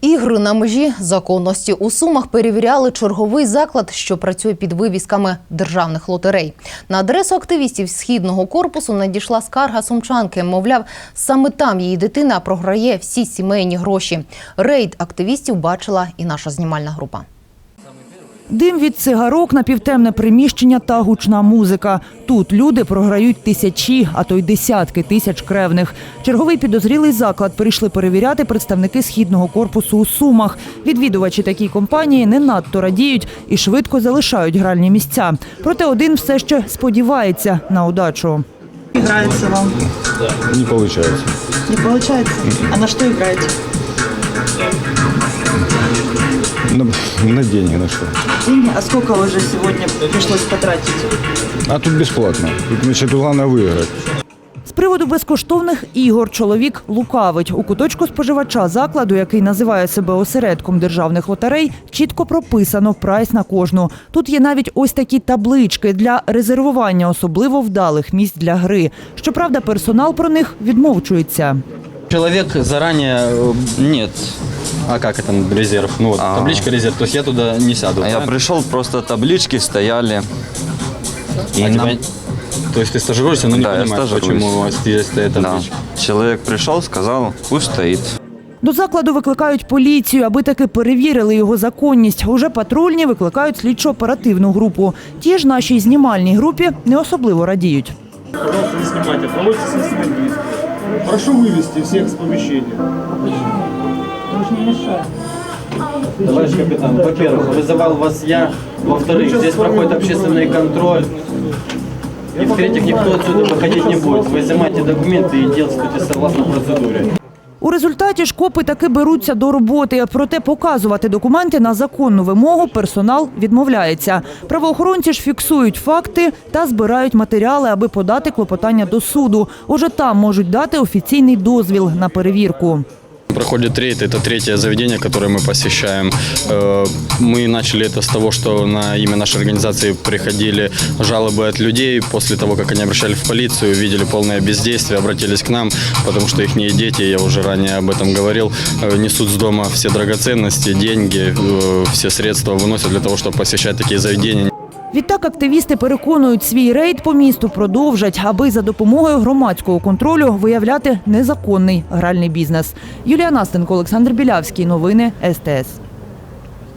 Ігри на межі законності. У Сумах перевіряли черговий заклад, що працює під вивісками державних лотерей. На адресу активістів Східного корпусу надійшла скарга сумчанки. Мовляв, саме там її дитина програє всі сімейні гроші. Рейд активістів бачила і наша знімальна група. Дим від цигарок, напівтемне приміщення та гучна музика. Тут люди програють тисячі, а то й десятки тисяч кревних. Черговий підозрілий заклад прийшли перевіряти представники Східного корпусу у Сумах. Відвідувачі такій компанії не надто радіють і швидко залишають гральні місця. Проте один все ще сподівається на удачу. Играется вам? Не получается. Не получается? А на что играете? На деньги, на что? Деньги? А сколько уже сегодня пришлось потратить? А тут бесплатно. Тут, значит, главное выиграть. З приводу безкоштовних ігор чоловік лукавить. У куточку споживача закладу, який називає себе осередком державних лотерей, чітко прописано прайс на кожну. Тут є навіть ось такі таблички для резервування особливо вдалих місць для гри. Щоправда, персонал про них відмовчується. Человек заранее нет. А как это резерв? Ну вот табличка резерв, то есть я туда не сяду. А я пришел, просто таблички стояли. То есть ты стажируешься, но не понимаешь, почему здесь стоит табличка. Да. Человек пришел, сказал, пусть стоит. До закладу викликають поліцію, аби таки перевірили його законність. Уже патрульні викликають слідчо-оперативну групу. Ті ж нашій знімальній групі не особливо радіють. Пожалуйста, не снимайте, проводите следственные действия. Прошу вывести всех с помещения. Товарищ капитан, во-первых, вызывал вас я. Во-вторых, здесь проходит общественный контроль. И в-третьих, никто отсюда выходить не будет. Вы изымайте документы и действуйте согласно процедуре. У результаті ж копи таки беруться до роботи. Проте показувати документи на законну вимогу персонал відмовляється. Правоохоронці ж фіксують факти та збирають матеріали, аби подати клопотання до суду. Уже там можуть дати офіційний дозвіл на перевірку. Проходит рейд, это третье заведение, которое мы посещаем. Мы начали это с того, что на имя нашей организации приходили жалобы от людей. После того, как они обращались в полицию, видели полное бездействие, обратились к нам, потому что их дети, я уже ранее об этом говорил, несут с дома все драгоценности, деньги, все средства выносят для того, чтобы посещать такие заведения. Відтак активісти переконують, свій рейд по місту продовжать, аби за допомогою громадського контролю виявляти незаконний гральний бізнес. Юлія Настенко, Олександр Білявський. Новини СТС.